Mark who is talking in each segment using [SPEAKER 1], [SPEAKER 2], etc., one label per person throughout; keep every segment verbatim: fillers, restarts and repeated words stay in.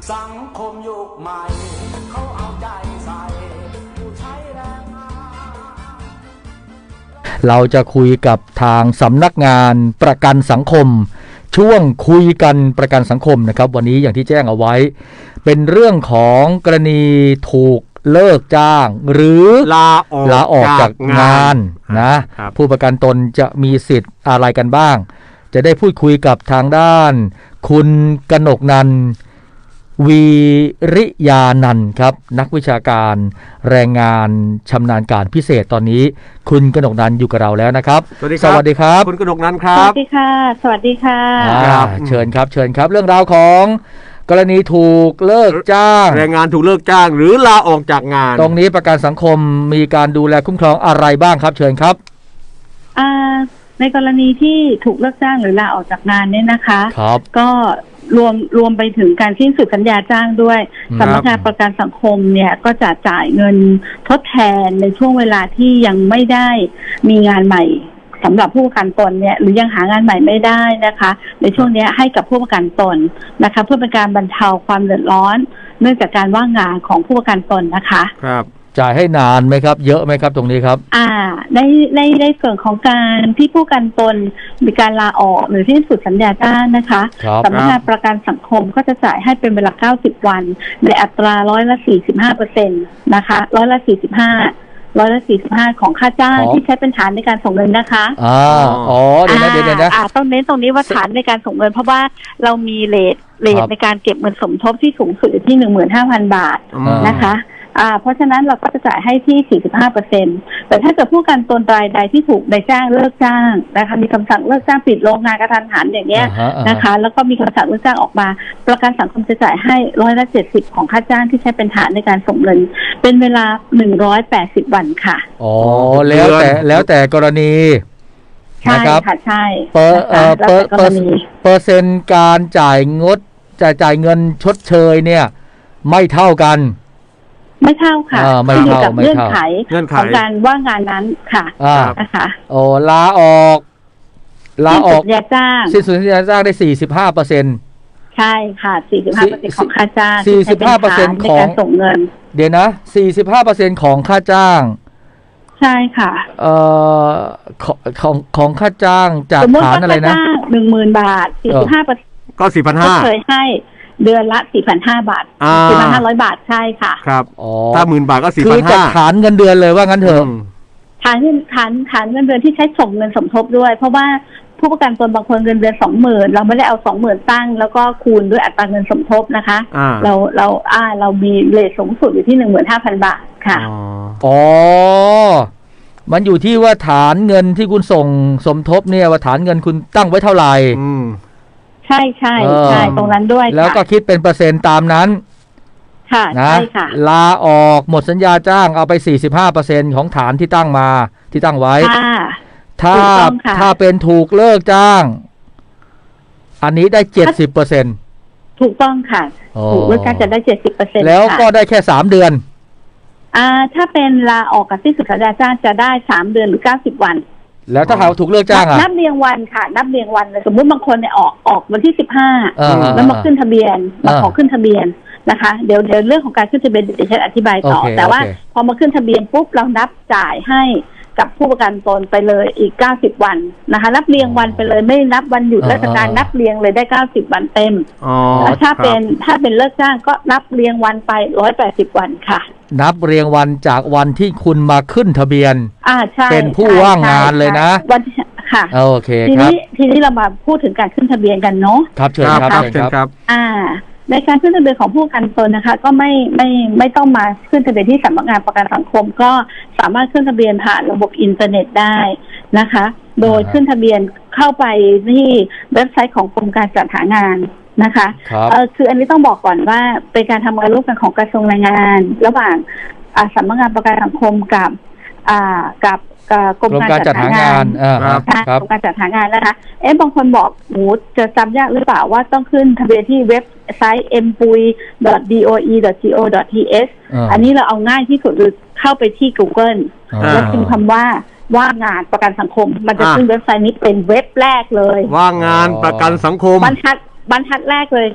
[SPEAKER 1] สังคมยุคใหม่เขาเอาใจใส่ผู้ใช้แรงงาน
[SPEAKER 2] เราจะคุยกับทางสำนักงานประกันสังคมช่วงคุยกันประกันสังคมนะครับวันนี้อย่างที่แจ้งเอาไว้เป็นเรื่องของกรณีถูกเลิกจ้างหรือ
[SPEAKER 3] ลาออก
[SPEAKER 2] ลาออกจากงานนะผู้ประกันตนจะมีสิทธิ์อะไรกันบ้างจะได้พูดคุยกับทางด้านคุณกนกนันท์วีริยานันท์ครับนักวิชาการแรงงานชำนาญการพิเศษตอนนี้คุณกนกนันท์อยู่กับเราแล้วนะครับ
[SPEAKER 3] สวัสดีครับ
[SPEAKER 2] สวัสดีครับ
[SPEAKER 3] คุณกนกนันท์ครับ
[SPEAKER 4] สวัสดีค่ะสวัสดีค่ะ
[SPEAKER 2] ครับเชิญครับเชิญครับเรื่องราวของกรณีถูกเลิกจ้าง
[SPEAKER 3] แรงงานถูกเลิกจ้างหรือลาออกจากงาน
[SPEAKER 2] ตรงนี้ประกันสังคมมีการดูแลคุ้มครองอะไรบ้างครับเชิญครับ
[SPEAKER 4] อ่าในกรณีที่ถูกเลิกจ้างหรือลาออกจากงานเนี่ยนะคะ
[SPEAKER 2] ครับ
[SPEAKER 4] ก็รวมรวมไปถึงการสิ้นสุดสัญญาจ้างด้วยสำนักงานประกันสังคมเนี่ยก็จะจ่ายเงินทดแทนในช่วงเวลาที่ยังไม่ได้มีงานใหม่สำหรับผู้ประกันตนเนี่ยหรือยังหางานใหม่ไม่ได้นะคะในช่วงนี้ให้กับผู้ประกันตนนะคะเพื่อเป็นการบรรเทาความเดือดร้อนเนื่องจากการว่างงานของผู้ประกันตนนะคะ
[SPEAKER 3] ครับ
[SPEAKER 2] จ่ายให้นานไหมครับเยอะไหมครับตรงนี้ครับ
[SPEAKER 4] อ่าในในในส่วนของการที่ผู้ประกันตนมีการลาออกหรือที่สุดสัญญาจ้างนะคะสำนักงานประกันสังคมก็จะจ่ายให้เป็นเวลาเก้าสิบวันในอัตราร้อยละสี่สิบห้าเปอร์เซ็นต์นะคะร้อยละสี่สิบห้าร้อยละสี่สิบห้าของค่าจ้างที่ใช้เป็นฐานในการส่งเงินนะคะ
[SPEAKER 2] อ่าอ๋อเดี๋ยวนะเดี๋ยวนะ
[SPEAKER 4] อ่าต้องเน้นตรงนี้ว่าฐานในการส่งเงินเพราะว่าเรามีเรทเรทในการเก็บเงินสมทบที่สูงสุดอยู่ที่ หนึ่งหมื่นห้าพัน บาทนะคะอ่าเพราะฉะนั้นเราก็จะจ่ายให้ที่ สี่สิบห้าเปอร์เซ็นต์ แต่ถ้าเกิดผู้ประกันตนรายใดที่ถูกนายจ้างเลิกจ้างนะคะมีคำสั่งเลิกจ้างปิดโรงงานกระทันหันอย่างเงี้ยนะคะแล้วก็มีคำสั่งเลิกจ้างออกมาประกันสังคมจะจ่ายให้ร้อยละเจ็ดสิบของค่าจ้างที่ใช้เป็นฐานในการส่งเงินเป็นเวลาหนึ่งร้อยแปดสิบวันค่ะ
[SPEAKER 2] อ๋อแล้วแต่แล้วแต่กรณี
[SPEAKER 4] ใช่ค่ะใช่
[SPEAKER 2] เปอร์เอ่อเปอร์เปอร์เปอร์เซ็นต์การจ่ายงดจ่ายจ่ายเงินชดเชยเนี่ยไม่เท่ากัน
[SPEAKER 4] ไม่เท่าค่ะ
[SPEAKER 2] ขึ้นอยู่
[SPEAKER 4] กับเงื่อนไขของการว่างงานนั้นค่ะนะคะ
[SPEAKER 2] โอ้ลาออกลาออก
[SPEAKER 4] สัญญาจ้าง
[SPEAKER 2] สิ้นสุดสัญญาจ้างได้ สี่สิบห้าเปอร์เซ็นต์
[SPEAKER 4] ใช่ค่ะ สี่สิบห้าเปอร์เซ็นต์ ของค่าจ้าง
[SPEAKER 2] สี่สิบห้าเปอร์เซ็นต์ ของ
[SPEAKER 4] ส่งเงิน
[SPEAKER 2] เดี๋ยวนะ สี่สิบห้าเปอร์เซ็นต์ ของค่าจ้าง
[SPEAKER 4] ใช่ค่ะ
[SPEAKER 2] เอ่อของของค่าจ้างจากฐานอะไรนะ
[SPEAKER 4] หนึ่งหมื่น บาท สี่สิบห้าเปอร์เซ็นต์
[SPEAKER 3] ก็ สี่พันห้าร้อย
[SPEAKER 4] เคยให้เดือนละ สี่พันห้าร้อย บาท สี่พันห้าร้อย บาทใช่ค่ะ
[SPEAKER 3] ครับถ้าหมื่นบาทก็ สี่พันห้าร้อย
[SPEAKER 2] คือจากฐานเงินเดือนเลยว่างั้นเถอะ
[SPEAKER 4] ฐานเงินฐานฐานเงินเดือนที่ใช้ส่งเงินสมทบด้วยเพราะว่าผู้ประกันตนบางคนเงินเดือน สองหมื่น เราไม่ได้เอา สองหมื่น ตั้งแล้วก็คูณด้วยอัตราเงินสมทบนะคะเราเราอ่าเรามีเรทสูงสุดอยู่ที่ หนึ่งหมื่นห้าพัน บาทค่ะ
[SPEAKER 2] อ๋อมันอยู่ที่ว่าฐานเงินที่คุณส่งสมทบเนี่ยว่าฐานเงินคุณตั้งไว้เท่าไหร่
[SPEAKER 4] ใช่ใช่ใช่ตรงนั้นด้วย
[SPEAKER 2] แล้วก็คิดเป็นเปอร์เซ็นต์ตามนั้น
[SPEAKER 4] ค่ะ
[SPEAKER 2] นะ
[SPEAKER 4] ใช่ค่ะ
[SPEAKER 2] ลาออกหมดสัญญาจ้างเอาไป สี่สิบห้าเปอร์เซ็นต์ ของฐานที่ตั้งมาที่ตั้งไว้ถ้าถ้าเป็นถูกเลิกจ้างอันนี้ได้ เจ็ดสิบเปอร์เซ็นต์
[SPEAKER 4] ถูกต้องค่ะถูกเลิกจ้างจะได้ เจ็ดสิบเปอร์เซ็นต์
[SPEAKER 2] แล้วก็ได้แค่สามเดือน
[SPEAKER 4] อ่าถ้าเป็นลาออกกับสิ้นสุดสัญญาจ้างจะได้สามเดือนหรือเก้าสิบวัน
[SPEAKER 2] แล้วถ้าเขาถูกเลิกจ้างอ่ะ
[SPEAKER 4] นับเรียงวันค่ะนับเรียงวันเลยสมมุติบางคนเนี่ยออกออกวันที่สิบห้าแล้วมาขึ้นทะเบียนมาขอขึ้นทะเบียนนะคะเดี๋ยวเดี๋ยวเรื่องของการขึ้นทะเบียนเดี๋ยวฉันอธิบายต่อแต่ว่าพอมาขึ้นทะเบียนปุ๊บเรานับจ่ายให้กับผู้ประกันตนไปเลยอีกเก้าสิบวันนะคะนับเรียงวันไปเลยไม่นับวันหยุดราชการนับเรียงเลยได้เก้าสิบวันเต็มแล้วถ้าเป็นถ้าเป็นเลิกจ้างก็นับเรียงวันไปหนึ่งร้อยแปดสิบวันค่ะ
[SPEAKER 2] นับเรียงวันจากวันที่คุณมาขึ้นทะเบียน
[SPEAKER 4] อ่าใช่
[SPEAKER 2] เป็นผู้ว่างงานเลยนะ
[SPEAKER 4] วันค่ะ
[SPEAKER 2] โอเค
[SPEAKER 4] ที
[SPEAKER 2] นี้
[SPEAKER 4] ทีนี้เรามาพูดถึงการขึ้นทะเบียนกันเนาะ
[SPEAKER 2] ครับเชิญครับเชิญครับ
[SPEAKER 4] อ่าในการขึ้นทะเบียนของผู้ประกันตนนะคะก็ไม่ไม่ไม่ต้องมาขึ้นทะเบียนที่สำนักงานประกันสังคมก็สามารถขึ้นทะเบียนผ่านระบบอินเทอร์เน็ตได้นะคะโดยขึ้นทะเบียนเข้าไปที่เว็บไซต์ของกรมการจัดหางานนะคะเออคืออันนี้ต้องบอกก่อนว่าเป็นการทำงานร่วมกันของกระทรวงแรงงานระหว่างสำนักงานประกันสังคมกับอ่ากับกรมการจัดหางานกรมการจัดหางานนะคะเอ๊ะบางคนบอกหนูจะจำยากหรือเปล่าว่าต้องขึ้นทะเบียนที่เว็บไซต์ เอ็ม พี วาย ดอท ดี โอ อี ดอท จี โอ ดอท ที เอส อันนี้เราเอาง่ายที่สุดคือเข้าไปที่ Google แล้วพิมพ์คำว่าว่างงานประกันสังคมมันจะขึ้นเว็บไซต์นี้เป็นเว็บแรกเลย
[SPEAKER 3] ว่างงานประกันสังคม
[SPEAKER 4] บรรทัดบรรทัดแรกเลยค่ะ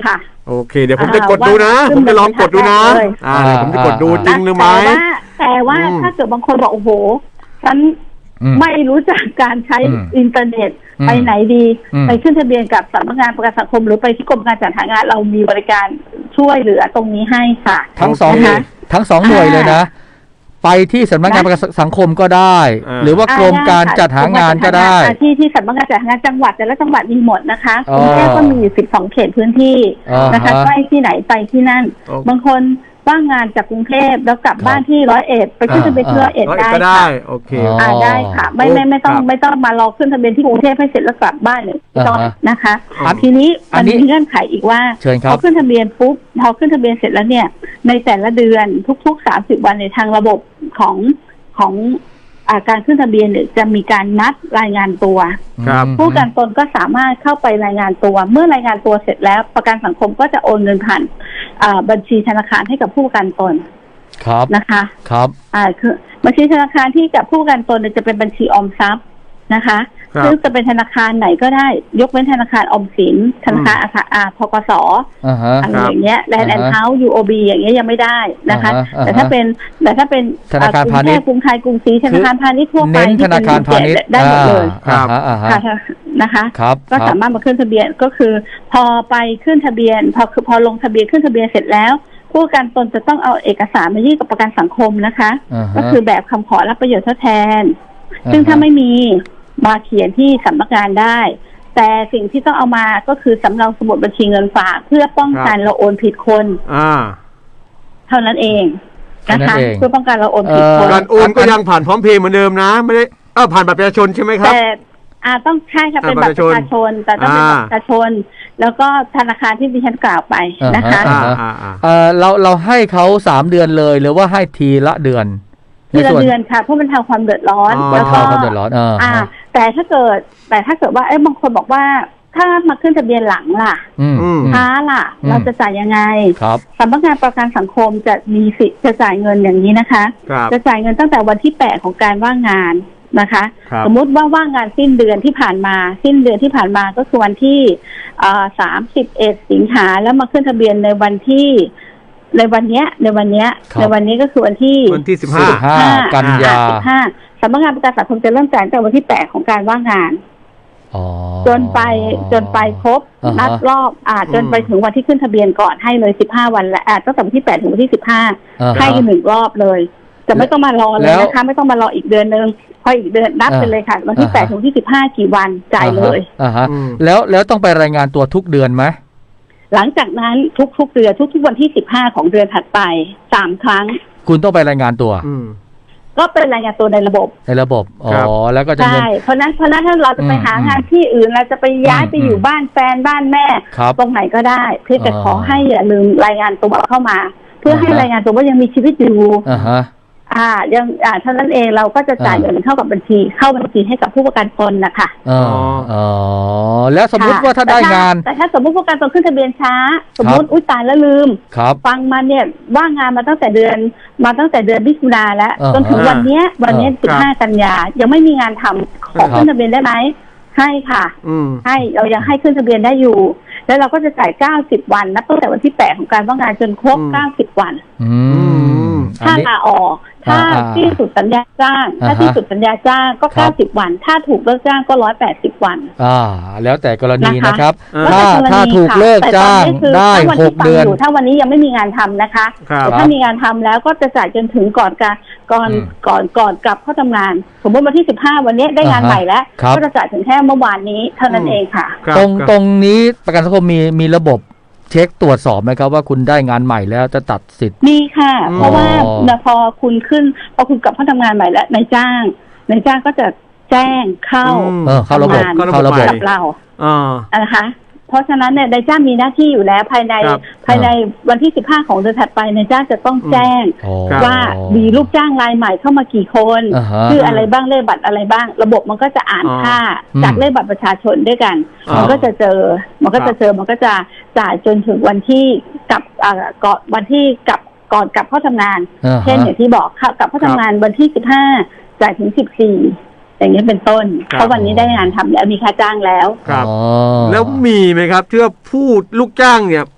[SPEAKER 3] โอเค เดี๋ยวผมจะกดดูนะ ผมจะลองกดดูนะอ่าผมจะกดดูจริงหรือไม่
[SPEAKER 4] แต่ว่าแต่ว่าถ้าเกิดบางคนบอกโอ้โหฉันไม่รู้จักการใช้อินเทอร์เน็ตไปไหนดีไปขึ้นทะเบียนกับสำนักงานประกันสังคมหรือไปที่กรมการจัดหางานเรามีบริการช่วยเหลือตรงนี้ให้ค่ะ
[SPEAKER 2] ทั้งสองทั้งสองหน่วยเลยนะไปที่สำนักงานประกันสังคมก็ได้หรือว่ากรมการจัดหางานก็ได้
[SPEAKER 4] ที่ที่สำนักงานจัดหางานจังหวัดแต่ละจังหวัดมีหมดนะคะกรุงเทพก็มีอยู่สิบสองเขตพื้นที่นะคะใกล้ที่ไหนไปที่นั่นบางคนว่างงานจากกรุงเทพแล้วกลับบ้านที่ร้อยเอ็ดไปขึ้นทะเบียนที่ร้อยเอ็ดได้ค่ะ
[SPEAKER 3] โอเค
[SPEAKER 4] อ่าได้ค่ะไม่ไม่ไม่ต้องไม่ต้องมารอขึ้นทะเบียนที่กรุงเทพให้เสร็จแล้วกลับบ้านเลยไม่ต้องนะคะทีนี้มันมีเงื่อนไขอีกว่าพอขึ้นทะเบียนปุ๊บพอขึ้นทะเบียนเสร็จแล้วเนี่ยในแต่ละเดือนทุกๆสามสิบวันในทางระบบของของอาการขึ้นทะเบียนเนี่ยจะมีการนัดรายงานตัวผู้ประกันตนก็สามารถเข้าไปรายงานตัวเมื่อรายงานตัวเสร็จแล้วประกันสังคมก็จะโอนเงินผ่านบัญชีธนาคารให้กับผู้ประกันตน
[SPEAKER 2] ครับ
[SPEAKER 4] นะคะ
[SPEAKER 2] ครับ
[SPEAKER 4] อ่าคือบัญชีธนาคารที่กับผู้ประกันตนจะเป็นบัญชีออมทรัพย์นะคะซึ่งจะเป็นธนาคารไหนก็ได้ยกเว้นธนาคารออมสินธนาคารอาธกสอะไรอย่างเงี้ยแลนด์แอนด์เฮาส์ ยู โอ บี อย่างเงี้ยยังไม่ได้นะคะแต่ถ้าเป็นแต่ถ้าเป็น
[SPEAKER 2] ธนาคารพาณิชย์
[SPEAKER 4] กรุงไทยกรุงศรีธนาคารพาณิชย์ทั่วไป
[SPEAKER 2] ธนาคารพาณิชย์
[SPEAKER 4] ได้หมดเลย
[SPEAKER 2] ค่ะ
[SPEAKER 4] นะคะก็สามารถมาขึ้นทะเบียนก็คือพอไปขึ้นทะเบียนพอพอลงทะเบียนขึ้นทะเบียนเสร็จแล้วผู้ประกันตนจะต้องเอาเอกสารมายื่นกับประกันสังคมนะคะก็คือแบบคำขอรับประโยชน์ทดแทนซึ่งถ้าไม่มีมาเขียนที่สำนักงานได้แต่สิ่งที่ต้องเอามาก็คือสำเนาสมุดบัญชีเงินฝากเพื่อป้องกันเราโอนผิดคนเท่านั้นเองนะคะเพื่อป้องกันเราโอนผิดคน
[SPEAKER 3] การโอนก็ยังผ่านพร้อมเพย์เหมือนเดิมนะไม่ได้เออผ่านบัตรประชาชนใช่ไหมครับ
[SPEAKER 4] แต่อ่าต้องใช่ค่ะเป็นบัตรประชาชนแต่ต้องเป็นบัตรประชาชนแล้วก็ธนาคารที่ดิฉันกล่าวไปนะคะ
[SPEAKER 2] เออเราเราให้เขาสามเดือนเลยหรือว่าให้ทีละเดือน
[SPEAKER 4] ทีละเดือนค่ะเพราะมันทำความเดือดร้อน
[SPEAKER 2] แล้วก็ความเดือดร้อน
[SPEAKER 4] อ่าแต่ถ้าเกิดแต่ถ้าเกิดว่าเอ้บางคนบอกว่าถ้ามาขึ้นทะเบียนหลังล่ะช้าล่ะเราจะจ่ายยังไงสำนักงานประกันสังคมจะมีสิทธิ์จะจ่ายเงินอย่างนี้นะคะจะจ่ายเงินตั้งแต่วันที่แปดของการว่างงานนะคะสมมุติว่าว่างงานสิ้นเดือนที่ผ่านมาสิ้นเดือนที่ผ่านมาก็คือวันที่สามสิบเอ็ดสิงหาแล้วมาขึ้นทะเบียนในวันที่ในวันนี้ในวันนี้ในวันนี้ก็คือวันที่
[SPEAKER 3] วันที่สิบห้า
[SPEAKER 2] กันยา
[SPEAKER 4] สิบห้าสำนักงานประกันสังคมจะเริ่มจ่ายตั้งแต่วันที่แปดของการว่างงานจนไปจนไปครบนัดรอบอ่าจนไปถึงวันที่ขึ้นทะเบียนก่อนให้เลยสิบห้าวันและอ่าตั้งแต่วันที่แปดถึงวันที่สิบห้าให้หนึ่งรอบเลยจะไม่ต้องมารอเลยนะคะไม่ต้องมารออีกเดือนนึงพออีกเดือนนับไปเลยค่ะวันที่แปดถึงที่สิบห้ากี่วันจ่ายเลย
[SPEAKER 2] อ่าฮะแล้วแล้วต้องไปรายงานตัวทุกเดือนไหม
[SPEAKER 4] หลังจากนั้นทุกๆเดือนทุกๆวันที่สิบห้าของเดือนถัดไปสามครั้ง
[SPEAKER 2] คุณต้องไปรายงานตัว
[SPEAKER 4] ก็เป็นรายงานตัวในระบบ
[SPEAKER 2] ในระบบอ๋อแล้วก็จะ
[SPEAKER 4] ใช่เพราะนั้นเพราะนั้นถ้าเราจะไปหางานที่อื่นเราจะไปย้ายไปอยู่บ้านแฟนบ้านแม่ตรงไหนก็ได้เพื่อจะขอให้อย่าลืมรายงานตัวเข้ามาเพื่อให้รายงานตัวว่ายังมีชีวิตอยู่อ่ายังอ่าเท่านั้นเองเราก็จะจ่ายเงินเข้ากับบัญชีเข้าบัญชีให้กับผู้ประกันตนนะคะ
[SPEAKER 2] อ๋ออ๋อแล้วสมมุติว่าถ้าได้งาน
[SPEAKER 4] แต่ถ้าสมมุติผู้ประกันตนขึ้นทะเบียนช้าสมมุติอุ้ยตายแล้วลืมฟังมาเนี่ยว่างงานมาตั้งแต่เดือนมาตั้งแต่เดือนมิถุนาแล้วจนถึงวันนี้วันนี้สิบห้ากันยายังไม่มีงานทำขอขึ้นทะเบียนได้ไหมให้ค่ะให้เรายังให้ขึ้นทะเบียนได้อยู่แล้วเราก็จะจ่ายเก้าสิบวันนับตั้งแต่วันที่แปดของการว่างงานจนครบเก้าสิบวันถ้าลาออกถ้าที่สุดสัญญาจ้างถ้าที่สุดสัญญาจ้างก็เก้าสิบวันถ้าถูกเลิกจ้างก็หนึ่งร้อยแปดสิบวัน
[SPEAKER 2] อ่าแล้วแต่กรณีนะครับถ้าถ้าถูกเลิกจ้างได้หกเดือน
[SPEAKER 4] ถ้าวันนี้ยังไม่มีงานทำนะคะแต่ถ้ามีงานทำแล้วก็จะจ่ายจนถึงก่อนการก่อนก่อนก่อนกลับเข้าทำงานสมมติวันที่สิบห้าวันนี้ได้งานใหม่แล้วก็จะจ่ายถึงแค่เมื่อวานนี้เท่านั้นเองค่ะ
[SPEAKER 2] ตรงตรงนี้ประกันสังคมมีมีระบบเช็คตรวจสอบไหมครับว่าคุณได้งานใหม่แล้วจะตัดสิทธิ์
[SPEAKER 4] มีค่ะเพราะว่าพอคุณขึ้นพอคุณกลับเข้าทำงานใหม่แล้วนายจ้างนายจ้างก็จะแจ้งเข้า
[SPEAKER 2] เข้าระบบเข้าระบบ
[SPEAKER 4] กับเราอ่านะคะเพราะฉะนั้นเนี่ยนายจ้างมีหน้าที่อยู่แล้วภายในภายในวันที่สิบห้าของเดือนถัดไปนายจ้างจะต้องแจ้งว่ามีลูกจ้างรายใหม่เข้ามากี่คนชื่ออะไรบ้างเลขบัตรอะไรบ้างระบบมันก็จะอ่านค่าจากเลขบัตรประชาชนด้วยกันมันก็จะเจอมันก็จะเจอมันก็จะจ่ายจนถึงวันที่กลับก่อนวันที่กลับก่อนกลับเข้าทำงานเช่นอย่างที่บอกกลับเข้าทำงานวันที่สิบห้าจ่ายถึงสิบสี่อย่างนี้เป็นต้นเพราะวันนี้ได้งานทำแล้วมีค่าจ้างแล้ว
[SPEAKER 3] ครับแล้วมีไหมครับที่ว่าผู้ลูกจ้างเนี่ย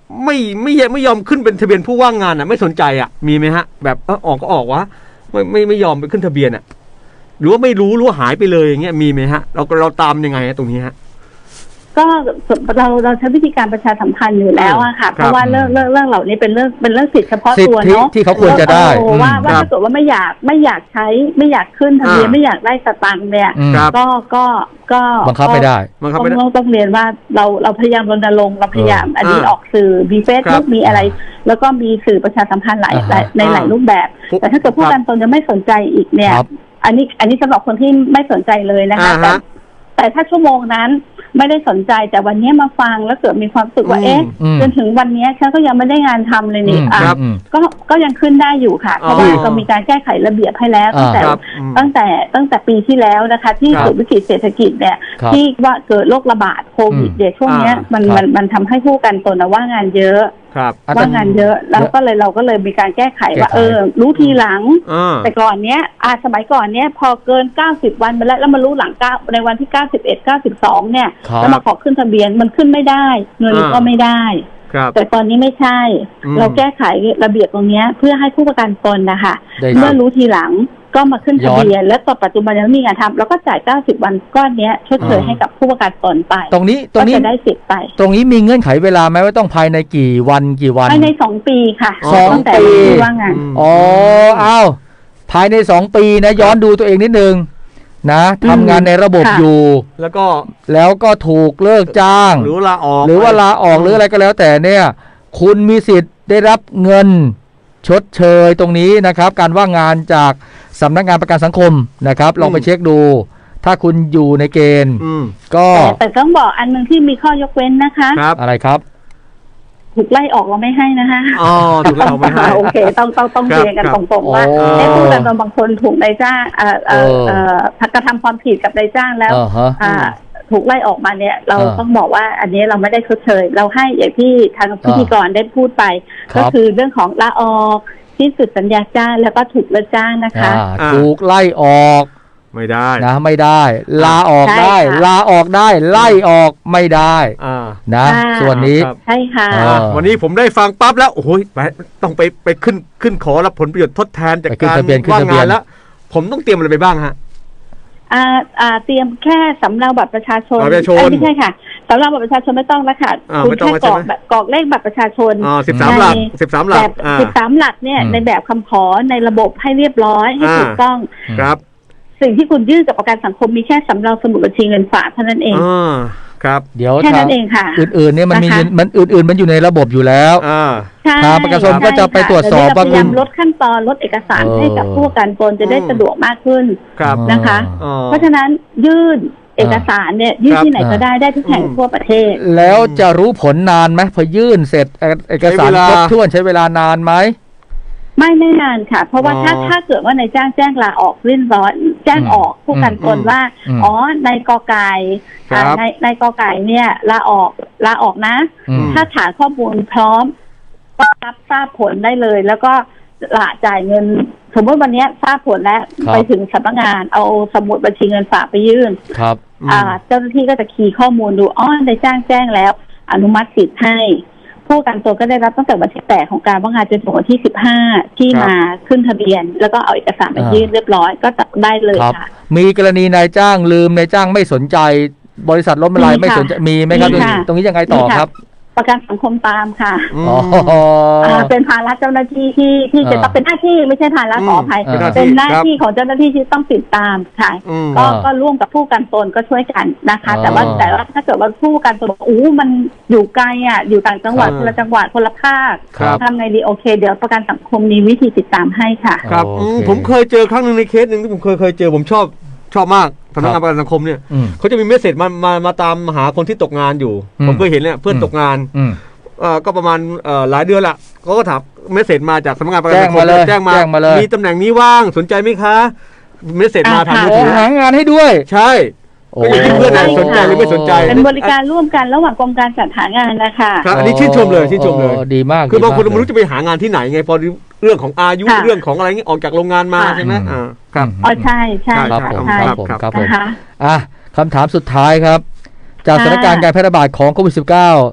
[SPEAKER 3] ไม่ไม่ไม่ยอมขึ้นเป็นทะเบียนผู้ว่างงานอ่ะไม่สนใจอ่ะมีไหมฮะแบบเออออกก็ออกวะไม่ไม่ไม่ยอมไปขึ้นทะเบียนอ่ะหรือว่าไม่รู้หรือว่าหายไปเลยอย่างเงี้ยมีไหมฮะเราเราตามยังไงฮะตรงนี้ฮะ
[SPEAKER 4] ก็เราเราใช้วิธีการประชาสัมพันธ์อยู่แล้วอะค่ะเพราะว่าเรื่องเรื่องเรื่องเหล่านี้เป็นเรื่องเป็นเรื่องสิทธิเฉพาะตัวเนาะ
[SPEAKER 2] ที่เขาควรจะได้
[SPEAKER 4] ว่าว่าถ้าเกิดว่าไม่อยากไม่อยากใช้ไม่อยากขึ้นทะเบียนไม่อยากได้สตังค์เนี่ยก็ก็ก็
[SPEAKER 2] บังคับไม่ได้
[SPEAKER 4] ต้องต้องเรียนว่าเราเราพยายามรณรงค์เราพยายามอันนี้ออกสื่อมีเฟซบุ๊กมีอะไรแล้วก็มีสื่อประชาสัมพันธ์หลายในหลายรูปแบบแต่ถ้าเกิดผู้การตนจะไม่สนใจอีกเนี่ยอันนี้อันนี้สำหรับคนที่ไม่สนใจเลยนะคะแต่แต่ถ้าชั่วโมงนั้นไม่ได้สนใจแต่วันนี้มาฟังแล้วเกิดมีความรู้สึกว่าเอ๊ะจนถึงวันนี้ฉันก็ยังไม่ได้งานทำเลยนี่อ่ะก็ก็ยังขึ้นได้อยู่ค่ะเพราะว่าก็มีการแก้ไขระเบียบให้แล้วตั้งแต่ตั้งแต่ตั้งแต่ปีที่แล้วนะคะที่เกิดวิกฤตเศรษฐกิจเนี่ยที่ว่าเกิดโรคระบาดโควิดเดี๋ยวช่วงนี้มันมันมันทำให้ผู้กันตนว่างานเยอะว่างานเยอะแล้วก็เลยเราก็เลยมีการแก้ไขว่าเออรู้ทีหลังแต่ก่อนเนี้ยอาสมัยก่อนเนี้ยพอเกินเก้าสิบวันไปแล้วแล้วมารู้หลังเก้าในวันที่เก้าสิบเอ็ด เก้าสิบสองเนี่ยแล้วมาขอขึ้นทะเบียนมันขึ้นไม่ได้เงินก็ไม่ได้แต่ตอนนี้ไม่ใช่เราแก้ไขระเบียบตรงนี้เพื่อให้ผู้ประกันตนนะคะเมื่อรู้ทีหลังก็มาขึ้นทะเบียนและต่อปัจจุบันยังมีงานทำแล้วก็จ่ายเก้าสิบวันก้อนนี้ชดเชยให้กับผู้ประกันตนไป
[SPEAKER 2] ตรงนี้ตรงนี้
[SPEAKER 4] จะได้สิทธิ์ไป
[SPEAKER 2] ตรงนี้มีเงื่อนไขเวลาไหมว่าต้องภายในกี่วันกี่วัน
[SPEAKER 4] ภายในสองปีค่ะ
[SPEAKER 2] สองปี
[SPEAKER 4] ว่างงาน
[SPEAKER 2] อ๋ออ้าวภายในสองปีนะย้อนดูตัวเองนิดนึงนะทำงานในระบบอยู่
[SPEAKER 3] แล้วก็
[SPEAKER 2] แล้วก็ถูกเลิกจ้าง
[SPEAKER 3] หรือลาออก
[SPEAKER 2] หรือว่าลาออกหรืออะไรก็แล้วแต่เนี่ยคุณมีสิทธิ์ได้รับเงินชดเชยตรงนี้นะครับการว่างงานจากสำนักงานประกันสังคมนะครับลองไปเช็คดูถ้าคุณอยู่ในเกณฑ์ก็
[SPEAKER 4] แต่ต้องบอกอันนึงที่มีข้อยกเว้นนะคะ
[SPEAKER 2] อะไรครับ
[SPEAKER 4] ถูกไล่ออกเราไม่ให้นะคะ
[SPEAKER 3] อ๋อถูกไล่ออกไม่ให้
[SPEAKER 4] โอเคต้องต้องต้องเรียนกันตรงๆว่าไอ้ผู้ประกันบางคนถูกนายจ้างเอ่อเอ่อเอ่อกระทำความผิดกับนายจ้างแล้วอ่าถูกไล่ออกมาเนี่ยเราต้องบอกว่าอันนี้เราไม่ได้ชดเชยเราให้อย่างที่ทางพิธีกรได้พูดไปก็คือเรื่องของลาออกที่สุดสัญญาจ้างแล้วก็ถูกเลิกจ้างนะคะ
[SPEAKER 2] ถูกไล่ออก
[SPEAKER 3] ไม่ได้
[SPEAKER 2] นะไม่ได้ลาออกได้ลาออกได้ไล่ออกไม่ได้นะส่วนนี้
[SPEAKER 4] ใช่ค่ะ
[SPEAKER 3] วันนี้ผมได้ฟังปั๊บแล้วโอ้โหต้องไปไปขึ้นขึ้นขอรับผลประโยชน์ทดแทนจากการว่างงานแล้วผมต้องเตรียมอะไรไปบ้างฮะ
[SPEAKER 4] อ่าอ่าเตรียมแค่สำเนาบัตรประชาชนไม่ใช่ค่ะสำเนาบัตรประชาชนไม่ต้องแล้วค่ะคุณแค่กรอกแบบกรอกเลขบัตรประชาชน
[SPEAKER 3] อ๋อสิบสามหลักสิบสามหลัก
[SPEAKER 4] สิบสามหลักเนี่ยในแบบคำขอในระบบให้เรียบร้อยให้ถูกต้อง
[SPEAKER 3] ครับ
[SPEAKER 4] สิ่งที่คุณยื่นกับประกันสังคมมีแค่สำเนาสมุดบัญชีเงินฝากเท่านั้นเอง
[SPEAKER 3] อ๋อครับ
[SPEAKER 2] เดี๋ยว
[SPEAKER 4] แค่นั้นเองค่ะ
[SPEAKER 2] อื่นๆเนี่ยมันมีมันอื่นๆมันอยู่ในระบบอยู่แล้วทางประกันสังคมก็จะไปตรวจสอบ
[SPEAKER 4] ว่าคุณลดขั้นตอนลดเอกสารให้กับผู้ประกันตนจะได้สะดวกมากขึ้นนะคะเพราะฉะนั้นยื่นเอกสารเนี่ยยื่นที่ไหนก็ได้ได้ทุกแห่งทั่วประเทศ
[SPEAKER 2] แล้วจะรู้ผลนานไหมพอยื่นเสร็จเอกสารครบถ้วนใช้เวลานานไหม
[SPEAKER 4] ไม่ไม่นานค่ะเพราะว่าถ้าถ้าเกิดว่านายจ้างแจ้งลาออกเรื่นร้อนแจ้งออกผู้กันตนว่าอ๋อนายกอไก่ในในกอไก่เนี่ยลาออกลาออกนะถ้าฐานข้อมูลพร้อมก็รับทราบผลได้เลยแล้วก็ละจ่ายเงินสมมติวันนี้ทราบผลแล้วไปถึงสำนักงานเอาสมุดบัญชีเงินฝากไปยื่น
[SPEAKER 2] ครับ
[SPEAKER 4] อ่าเจ้าหน้าที่ก็จะคีย์ข้อมูลดูอ๋อนายจ้างแจ้งแล้วอนุมัติสิทธิ์ให้ผู้ประกันตนก็ได้รับตั้งแต่วันที่แปดของการว่างงานจนถึงวันที่สิบห้าที่มาขึ้นทะเบียนแล้วก็เอาเอกสารมายื่นเรียบร้อยก็ได้เลยค่ะ
[SPEAKER 2] มีกรณีนายจ้างลืมนายจ้างไม่สนใจบริษัทล้มละลายไม่สนใจมีไหมครับตรงนี้ยังไงต่อครับ
[SPEAKER 4] ประกันสังคมตามค่ะอ๋อเป็นภาระเจ้าหน้าที่ที่ที่จะต้องเป็นหน้าที่ไม่ใช่ภาระขออภัยเป็นหน้าที่ของเจ้าหน้าที่ที่ต้องติดตามค่ะก็ก็ร่วมกับผู้กันตนก็ช่วยกันนะคะแต่ว่าแต่ว่าถ้าเกิดว่าผู้กันตนบอกอู้มันอยู่ไกลอ่ะอยู่ต่างจังหวัดคนละจังหวัดคนละภาคทำไงดีโอเคเดี๋ยวประกันสังคมมีวิธีติดตามให้ค่ะ
[SPEAKER 3] ครับผมเคยเจอครั้งนึงในเคสหนึ่งที่ผมเคยเคยเจอผมชอบชอบมากสำนักงานประกันสังคมเนี่ยเขาจะมีเมสเสจมามามาตามหาคนที่ตกงานอยู่ผมเคยเห็นเนี่ยเพื่อนตกงานเอ่อก็ประมาณเอ่อหลายเดือนละเขาก็ถามเมสเสจมาจากสำนักงานประกันสังคมแจ้งมามีตำแหน่งนี้ว่างสนใจไหมคะเมสเสจมาทางมือถือ
[SPEAKER 2] หางานให้ด้วย
[SPEAKER 3] ใช่ก็อยู่ที่เพื่อนไหนสนใจหรือไม่สนใจ
[SPEAKER 4] เป็นบริการร่วมกันระหว่างกรมการจัดหางานนะคะ
[SPEAKER 3] ครับอันนี้ชื่นชมเลยชื่นชมเลย
[SPEAKER 2] ดีมาก
[SPEAKER 3] คือบางคนไม่รู้จะไปหางานที่ไหนไงพอเรื่องของอายุเรื่องของอะไรงี้ออกจากโรงงานมาใช่ไหมอ่าครับ
[SPEAKER 4] อ๋อใช่ใช่
[SPEAKER 2] ครับผมครับผมครับผมอ่ะคำถามสุดท้ายครับจากสถานการณ์การแพร่ระบาดของโควิด สิบเก้า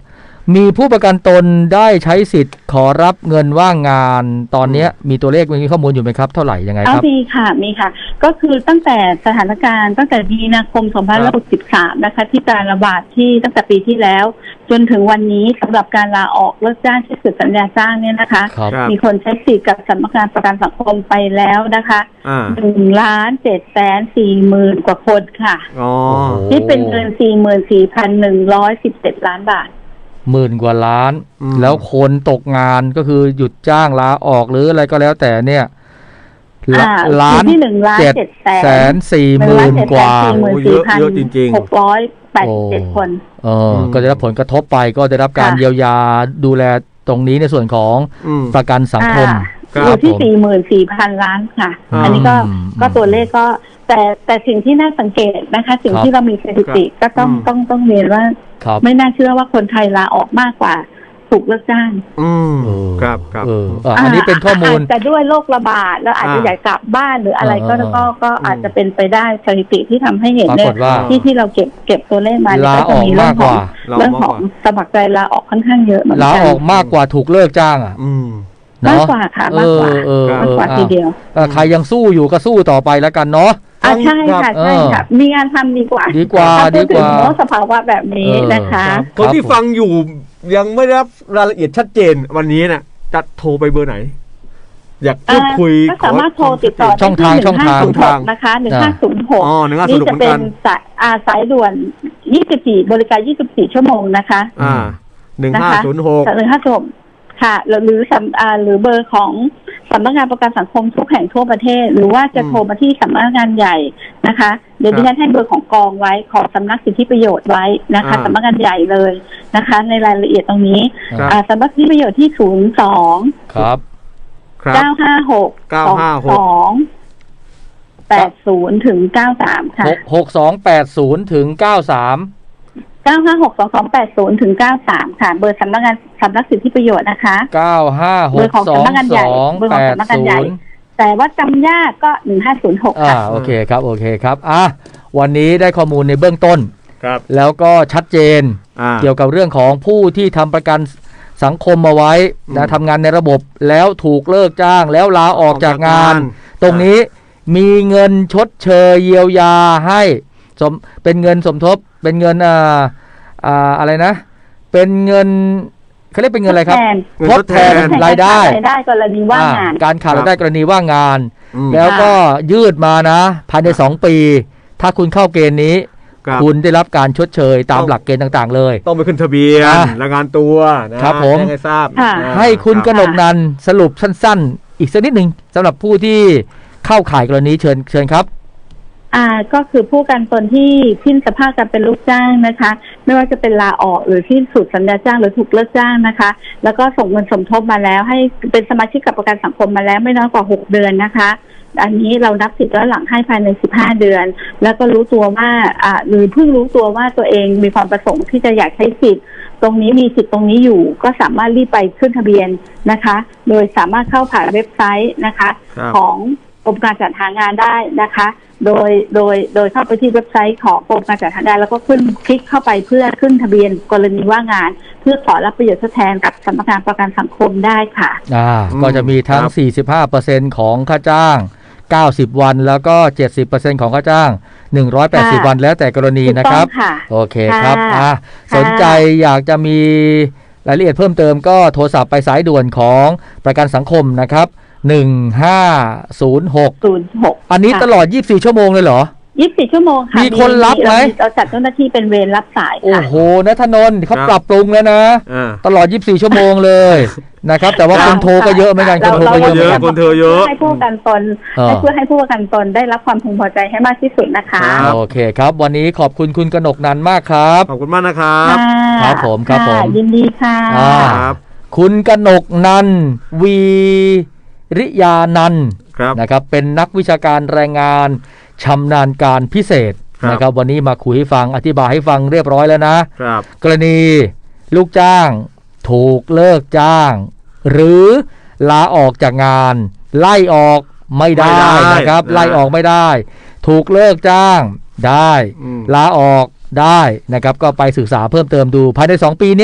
[SPEAKER 2] มีผู้ประกันตนได้ใช้สิทธิ์ขอรับเงินว่างงานตอนนี้มีตัวเลขมีข้อมูลอยู่ไหมครับเท่าไหร่ยังไงครับ
[SPEAKER 4] มีค่ะมีค่ะก็คือตั้งแต่สถานการณ์ตั้งแต่มีนาคมสองพันห้าร้อยหกสิบสามนะคะที่การระบาดที่ตั้งแต่ปีที่แล้วจนถึงวันนี้สำหรับการลาออกเลิกจ้างที่สุดสัญญาจ้างเนี่ยนะคะมีคนใช้สิทธิ์กับสำนักงานประกันสังคมไปแล้วนะคะหนึ่งล้านเจ็ดแสนสี่หมื่นกว่าคนค่ะที่เป็นเงินสี่หมื่นสี่พันหนึ่งร้อยสิบเจ็ดล้านบาท
[SPEAKER 2] หมื่นกว่าล้านแล้วคนตกงานก็คือหยุดจ้างลาออกหรืออะไรก็แล้วแต่เนี่ยล้าน
[SPEAKER 4] ที่หนึ่งล้านเจ็ด
[SPEAKER 2] แสนสี่หมื่นกว่า
[SPEAKER 3] เยอะเยอะจริง
[SPEAKER 4] ๆหกร้อยแปดสิบเจ็ดคน
[SPEAKER 2] เออก็ได้รับผลกระทบไปก็ได้รับการเยียวยาดูแลตรงนี้ในส่วนของประกันสังคม
[SPEAKER 4] อยู่ที่สี่หมื่นสี่พันล้านค่ะอันนี้ก็ก็ตัวเลขก็แต่แต่สิ่งที่น่าสังเกตนะคะสิ่งที่เรามีสถิติก็ต้องต้องต้องเรียนว่าไม่น่าเชื่อว่าคนไทยลาออกมากกว่าถูกเลิกจ้าง
[SPEAKER 3] อืมครับครับ
[SPEAKER 2] อันนี้เป็นข้อมูล
[SPEAKER 4] แต่ด้วยโรคระบาดแล้วอาจจะอยากกลับบ้านหรืออะไรก็ก็ก็อาจจะเป็นไปได้สถิติที่ทำให้เห็นเนี่ยที่ที่เราเก็บเก็บตัวเลขมา
[SPEAKER 2] ก็จะมีเรื่องของ
[SPEAKER 4] เรื่องของสมัครใจลาออกค่อนข้างเยอะเหมือนกัน
[SPEAKER 2] ลาออกมากกว่าถูกเลิกจ้างอ่ะ
[SPEAKER 4] มากกว่าค่ะมากกว่ามากกว่าทีเดียว
[SPEAKER 2] ใครยังสู้อยู่ก็สู้ต่อไปแล้วกันเนาะ
[SPEAKER 4] อ่าใช่ค่ะใช่ค่ะมีงานทำดีกว่า
[SPEAKER 2] ดีกว่าดีกว่า
[SPEAKER 4] สภาวะแบบนี้นะคะ
[SPEAKER 3] คนที่ฟังอยู่ยังไม่ได้รับรายละเอียดชัดเจนวันนี้น่ะจะโทรไปเบอร์ไหนอยากพูดคุย
[SPEAKER 4] ก็สามารถโทรติดต่อ
[SPEAKER 2] ช่องทางช่องทาง
[SPEAKER 4] นะคะหนึ่งห้าศูนย์หกนี่จะเป็นสายอาสายด่วนยี่สิบสี่บริการยี่สิบสี่ชั่วโมงนะคะ
[SPEAKER 3] อ่าหนึ่งห้าศูนย์หก
[SPEAKER 4] หนึ่งห้าศูนย์ค่ะหรือสำอ่าหรือเบอร์ของสำนักงานประกันสังคมทุกแห่งทั่วประเทศหรือว่าจะโทรมาที่สำนักงานใหญ่นะคะเดี๋ยวดิฉันให้เบอร์ของกองไว้ของสำนักสิทธิประโยชน์ไว้นะคะสำนักงานใหญ่เลยนะคะในรายละเอียดตรงนี้อ่าสำนักสิทธิประโยชน์ที่ศูนย์สอง
[SPEAKER 2] ครับ
[SPEAKER 4] เก้าห้าหกเก้าห้าหกสองแปดศูนย์ถึงเก้าสามค่ะ
[SPEAKER 2] หกสองแปดศูนย์ถึงเก้าสาม
[SPEAKER 4] เก้าห้าหกสองสองแปดศูนย์ถึงเก้าสามค่ะเบอร์สำนักงานสำนักสิทธิประโยชน์นะคะ
[SPEAKER 2] เก้าห้าหกสองสองแปดศูนย์
[SPEAKER 4] แต่ว่าจำยากก็หนึ่งห้าศูนย์หกค่ะ
[SPEAKER 2] อ่าโอเคครับโอเคครับอ่ะวันนี้ได้ข้อมูลในเบื้องต้น
[SPEAKER 3] ครับ
[SPEAKER 2] แล้วก็ชัดเจนเกี่ยวกับเรื่องของผู้ที่ทำประกันสังคมมาไว้นะทำงานในระบบแล้วถูกเลิกจ้างแล้วลาออกจากงานตรงนี้มีเงินชดเชยเยียวยาให้สมเป็นเงินสมทบเป็นเงินอ่าอ่าอะไรนะเป็นเงินเขาเรียกเป็นเงินอะไรครับทดแทนรายได้
[SPEAKER 4] รายได้กรณีว่างงาน
[SPEAKER 2] การขาดรายได้กรณีว่างงานแล้วก็ยืดมานะภายในสองปีถ้าคุณเข้าเกณฑ์นี้คุณได้รับการชดเชยตามหลักเกณฑ์ต่างๆเลย
[SPEAKER 3] ต้องไปขึ้นทะเบียนรายงานตัว
[SPEAKER 2] นะครับผม
[SPEAKER 3] ให้ทราบ
[SPEAKER 2] ให้คุณกนกนันท์สรุปสั้นๆอีกสักนิดหนึ่งสำหรับผู้ที่เข้าข่ายกรณีเชิญเชิญครับ
[SPEAKER 4] อ่าก็คือผู้ประกันตนที่สิ้นสภาพการเป็นลูกจ้างนะคะไม่ว่าจะเป็นลาออกหรือสิ้นสุดสัญญาจ้างหรือถูกเลิกจ้างนะคะแล้วก็ส่งเงินสมทบมาแล้วให้เป็นสมาชิกกับประกันสังคมมาแล้วไม่น้อยกว่าหกเดือนนะคะอันนี้เรานับสิทธิ์ย้อนหลังให้ภายในสิบห้าเดือนแล้วก็รู้ตัวว่าอ่าหรือเพิ่งรู้ตัวว่าตัวเองมีความประสงค์ที่จะอยากใช้สิทธิ์ตรงนี้มีสิทธิ์ตรงนี้อยู่ก็สามารถรีบไปขึ้นทะเบียนนะคะโดยสามารถเข้าผ่านเว็บไซต์นะคะของกรมการจัดหางานได้นะคะโดยโดยโดยเข้าไปที่เว็บไซต์ของกรมการจัดหางานแล้วก็ขึ้นคลิกเข้าไปเพื่อขึ้นทะเบียนกรณีว่างงานเพื่อขอรับประโยชน์ทดแทนกับสำนักงานประกันสังคมได้ค่ะ
[SPEAKER 2] อ่าก็จะมีทั้ง สี่สิบห้าเปอร์เซ็นต์ ของค่าจ้างเก้าสิบวันแล้วก็ เจ็ดสิบเปอร์เซ็นต์ ของค่าจ้างหนึ่งร้อยแปดสิบวันแล้วแต่กรณีนะครับโอเคครับอ่าสนใจอยากจะมีรายละเอียดเพิ่มเติมก็โทรศัพท์ไปสายด่วนของประกันสังคมนะครับหนึ่งห้าศูนย์หก
[SPEAKER 4] ศูนย์หก
[SPEAKER 2] อันนี้ตลอดยี่สิบสี่ชั่วโมงเลยเหรอ
[SPEAKER 4] ยี่สิบสี่ชั่วโมงค่ะ
[SPEAKER 2] มีคนรับไหม
[SPEAKER 4] เราจัดเจ้าหน้าที่เป็นเวรรับสายค่ะ
[SPEAKER 2] โอ้โหณธนนท์เขาปรับปรุงแล้วนะตลอดยี่สิบสี่ชั่วโมงเลยนะครับแต่ว่าคนโทรก็เยอะเหมือนกันคนโทรก็เยอะ
[SPEAKER 3] คนโทรเยอะ
[SPEAKER 4] ให้ผู้ประกันตนให้เพื่อให้ผู้ประกันตนได้รับความพึงพอใจให้มากที่สุดนะคะ
[SPEAKER 2] โอเคครับวันนี้ขอบคุณคุณกนกนันท์มากครับ
[SPEAKER 3] ขอบคุณมากนะครับ
[SPEAKER 2] ครับผมครับผม
[SPEAKER 4] ยินดีค่ะ
[SPEAKER 3] ครับ
[SPEAKER 2] คุณกนกนันท์วีริยานันท์นะครับเป็นนักวิชาการแรงงานชำนาญการพิเศษนะครับวันนี้มาคุยให้ฟังอธิบายให้ฟังเรียบร้อยแล้วนะครับกรณีลูกจ้างถูกเลิกจ้างหรือลาออกจากงานไล่ออกไม่ได้นะครับไล่ออกไม่ได้ถูกเลิกจ้างได้ลาออกได้นะครับก็ไปศึกษาเพิ่มเติมดูภายในสองปีนี้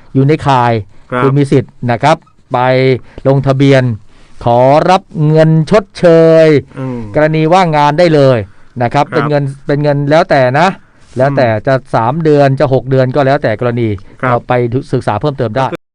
[SPEAKER 2] อยู่ในข่าย
[SPEAKER 3] ครับ
[SPEAKER 2] คุณมีสิทธิ์นะครับไปลงทะเบียนขอรับเงินชดเชย
[SPEAKER 3] อืม
[SPEAKER 2] กรณีว่างงานได้เลยนะครับ
[SPEAKER 3] ครับ
[SPEAKER 2] เป็นเงินเป็นเงินแล้วแต่นะ แล้วแต่จะสามเดือนจะหกเดือนก็แล้วแต่กรณี
[SPEAKER 3] ครับ
[SPEAKER 2] เราไปศึกษาเพิ่มเติมได้